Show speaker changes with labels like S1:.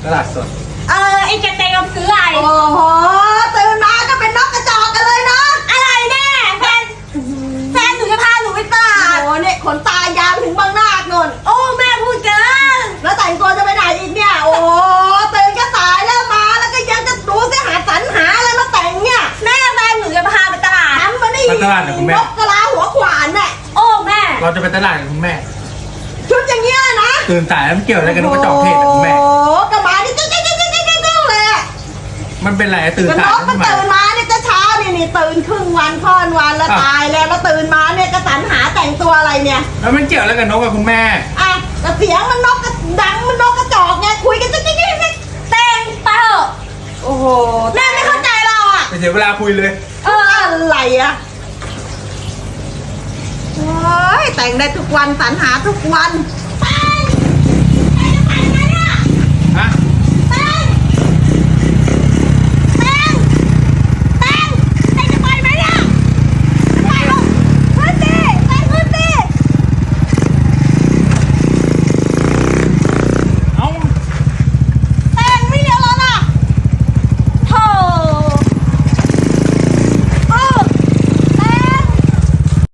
S1: ตลาดสด
S2: ไอ้แกเตงซื้ออะไร
S3: โอ้โหตื่นมาก็เป็นนกกระจอกกันเลยเนาะ
S2: อะไรแน่แฟนหนูจะพาหนูไปตลาด
S3: โอ้เนี่ยขนตายาวถึงบางนาโน่น
S2: โอ้แม่พูดเกิน
S3: แล้วแต่งตัวจะไปไหนอีกเนี่ยโอ้ตื่นก็สายแล้วมาแล้วก็ยังจะดูสิหาสรรหาอะไรมาแต่งเนี่ย
S2: แม่แฟนหนูจะพาไปตลาด
S3: ทำมาได้นกกระลาหัวขวานเนี่ย
S2: โอ้แม่
S1: เราจะไปตลาดกับคุณแม่
S3: ชุดอย่างเงี้ยนะ
S1: ตื่นสายแล้วมันเกี่ยวอะไรกับนกกระจอกเทศคุณแม่
S3: โอ้กระบานี่เจ๊เลย
S1: มันเป็นไรตื่นสาย
S3: มันตื่นมาเนี่ยจะเช้านี่ตื่นครึ่งวันค่อนวันแล้วตายแล้วตื่นมาเนี่ยก็สรรหาแต่งตัวอะไรเนี่ย
S1: แล้วมันเกี่ยวอะไรกับนกกับคุณแม่
S3: อ่ะแต่เสียงมันนกดังมันนกกระจอกไงคุยกันจิ๊ก
S2: แต่งไปเถอะ
S3: โอ้โห
S2: แม่ไม่เข้าใจเราอ่ะ
S1: ไปเสียเวลาคุยเลย
S3: อะไรอ่ะโอ้ยแต่งได้ทุกวันสรรหาทุกวัน